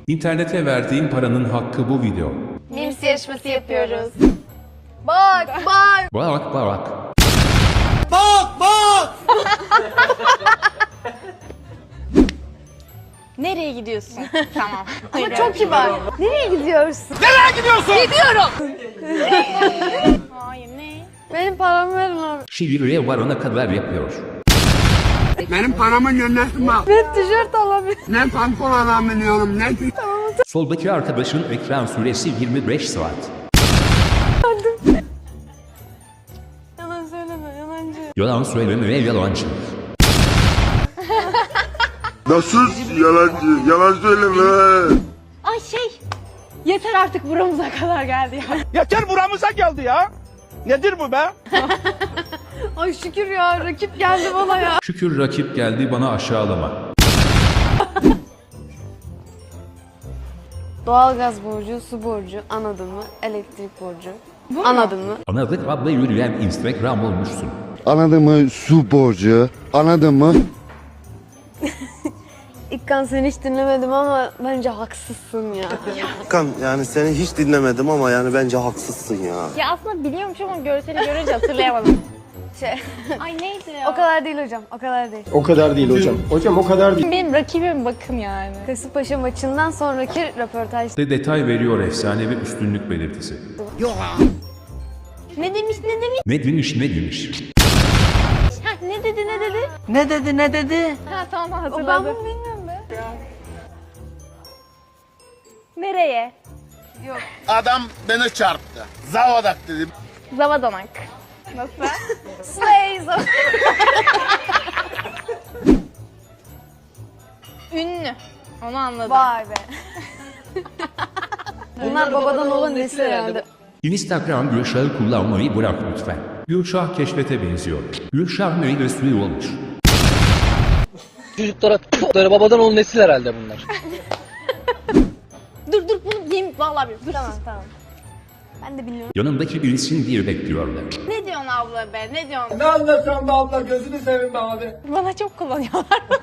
İnternete verdiğin paranın hakkı bu video. Memes yarışması yapıyoruz. Bak bak. Bak bak. Nereye gidiyorsun? Tamam. Ama çok kibar. Nereye gidiyorsun? Gidiyorum. Hayır ne? Benim paramı verin abi. Şivriye varana kadar yapıyor. Benim paramı yönetme. Ben tişört alabilirim. Ne pantolon alabiliyorum ne Soldaki arkadaşın ekran süresi 25 saat. Yalan söyleme yalancı. Yalan söyleme ve yalancı. Nasıl yalancı? Yalan söyleme. Ay yeter artık buramıza kadar geldi ya. Yeter buramıza geldi ya. Nedir bu be? Ay şükür ya rakip geldi bana ya. Şükür rakip geldi bana aşağılama. Doğalgaz borcu, su borcu, anladın mı? Elektrik borcu. Anladın mı? Anladık abla yürüyen Instagram olmuşsun. Anladın mı? Su borcu. Anladın mı? İkkan seni hiç dinlemedim ama bence haksızsın ya. Kan yani seni hiç dinlemedim ama yani bence haksızsın ya. Ya aslında biliyormuş ama görseli görünce hatırlayamadım. Şey, Ay neydi ya? o kadar değil hocam, o kadar değil. O kadar değil hocam. Hocam o kadar değil. Benim rakibim bakın yani. Kasımpaşa maçından sonraki röportaj. De detay veriyor efsane ve üstünlük belirtisi. Ne demiş? Ne demiş ne demiş. Ha, ne dedi? Ne dedi? Ha tamam Ben hatırladım. bunu bilmiyorum be. Nereye? Adam beni çarptı. Zavadak dedim. Zavadanak. Nasıl? Slays. Ünlü. Onu anladım. Vay be. Bunlar babadan olan nesil herhalde. Instagram Gülşah'ı kullanmayı bırak lütfen. Gülşah keşfete benziyor. Gülşah meyve suyu olmuş. Çocuklara babadan olan nesil herhalde bunlar. Dur bunu yemin vallahi bir dur. Tamam. Ben de biliyorum. Yanındaki birisin diye bekliyorlar. Ne diyorsun abla be? Ne diyorsun? Ne anlatıyorsun be abla gözünü seveyim be abi. Bana çok kullanıyorlar.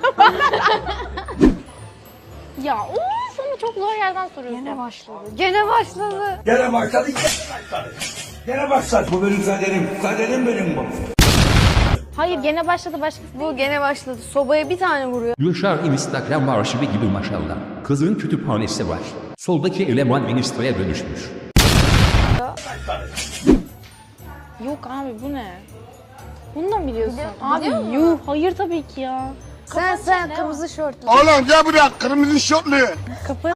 Ya of ama çok zor yerden soruyorsun. Gene başladı. Gene başladı. Gene başladı. Gene başladı. Bu benim kaderim. Kaderim benim bu. Hayır gene başladı başkası. Bu gene başladı. Sobaya bir tane vuruyor. Gülşah Instagram arşivi gibi maşallah. Kızın kütüphanesi var. Soldaki eleman Insta'ya dönüşmüş. Yok abi bu ne? Bunu da mı biliyorsun? Biliyor Abi yuh hayır tabii ki ya. Sen kırmızı şortlu. Oğlum gel buraya kırmızı şortlu. Kapı